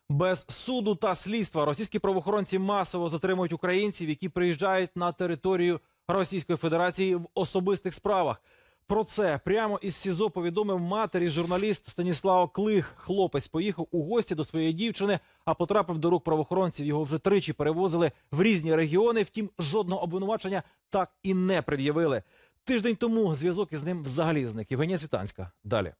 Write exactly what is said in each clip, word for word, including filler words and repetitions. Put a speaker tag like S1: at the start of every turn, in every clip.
S1: Без суду та слідства російські правоохоронці масово затримують українців, які приїжджають на територію Російської Федерації в особистих справах. Про це прямо із СІЗО повідомив матері журналіст Станіслав Клих. Хлопець поїхав у гості до своєї дівчини, а потрапив до рук правоохоронців. Його вже тричі перевозили в різні регіони, втім жодного обвинувачення так і не пред'явили. Тиждень тому зв'язок із ним взагалі зник. Євгенія Цвітанська. Далі.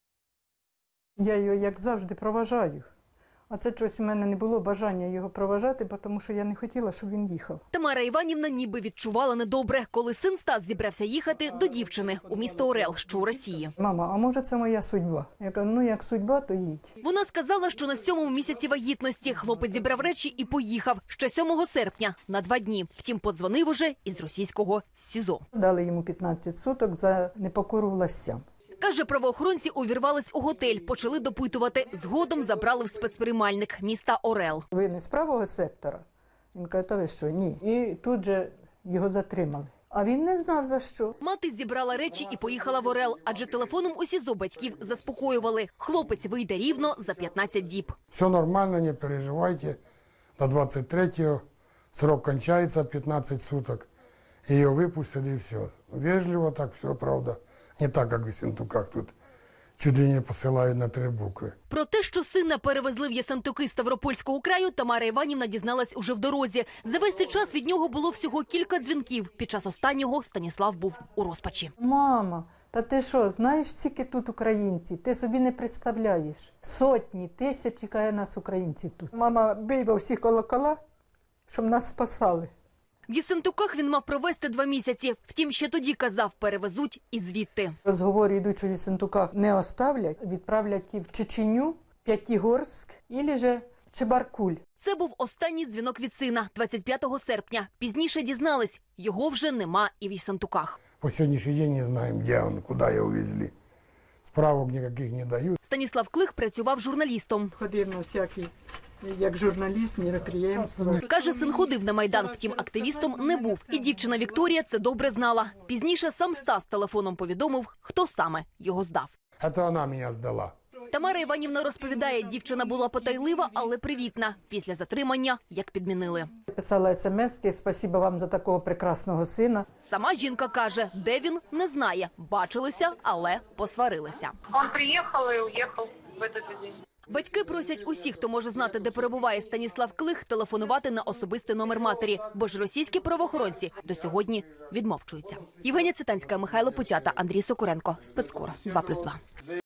S2: Я його, як завжди, проважаю. А це щось у мене не було бажання його проважати, тому що я не хотіла, щоб він їхав.
S3: Тамара Іванівна ніби відчувала недобре, коли син Стас зібрався їхати до дівчини у місто Орел, що у Росії.
S2: Мама, а може це моя судьба? Я кажу, ну як судьба, то їдь.
S3: Вона сказала, що на сьомому місяці вагітності хлопець зібрав речі і поїхав ще сьомого серпня на два дні. Втім, подзвонив уже із російського СІЗО.
S2: Дали йому п'ятнадцять суток за непокору властям.
S3: Каже, правоохоронці увірвались у готель, почали допитувати. Згодом забрали в спецприймальник міста Орел.
S2: Ви не з правого сектора? Він каже, та ви що, ні. І тут же його затримали. А він не знав за що.
S3: Мати зібрала речі і поїхала в Орел, адже телефоном у СІЗО батьків заспокоювали. Хлопець вийде рівно за п'ятнадцять діб.
S4: Все нормально, не переживайте. До двадцять третього срок кончается, п'ятнадцять суток. Ее выпустят и все. Вежливо так все, правда. Не так, як в Єсентуках тут. Чуть ли не посилають на три букви.
S3: Про те, що сина перевезли в Єсентуки Ставропольського краю, Тамара Іванівна дізналась уже в дорозі. За весь цей час від нього було всього кілька дзвінків. Під час останнього Станіслав був у розпачі.
S2: Мама, та ти що, знаєш, скільки тут українців? Ти собі не представляєш. Сотні, тисячі, каже, нас українців тут. Мама, бий во всі колокола, щоб нас спасали.
S3: В Єсентуках він мав провести два місяці. Втім, ще тоді казав, перевезуть і звідти.
S2: Розговори йдуть, що в Єсентуках не оставлять, відправлять і в Чеченю, П'ятигорськ, або же Чебаркуль.
S3: Це був останній дзвінок від сина двадцять п'ятого серпня. Пізніше дізнались, його вже нема і в Єсентуках.
S4: По сьогоднішній день не знаємо, де він, куди його увезли. Справок ніяких не дають.
S3: Станіслав Клих працював журналістом.
S2: Ходив на всякі, як журналіст, міроприємства.
S3: Каже, син ходив на Майдан, втім активістом не був. І дівчина Вікторія це добре знала. Пізніше сам Стас телефоном повідомив, хто саме його здав.
S4: Це вона мене здала.
S3: Тамара Іванівна розповідає, дівчина була потайлива, але привітна. Після затримання як підмінили.
S2: Писала смски, спасибо вам за такого прекрасного сина.
S3: Сама жінка каже, де він, не знає. Бачилися, але посварилися.
S5: Он приехал и уехал в этот же день.
S3: Батьки просять усіх, хто може знати, де перебуває Станіслав Клих, телефонувати на особистий номер матері, бо ж російські правоохоронці до сьогодні відмовчуються. Євгенія Цвітанська, Михайло Путята, Андрій Сокуренко. Спецкор два плюс два.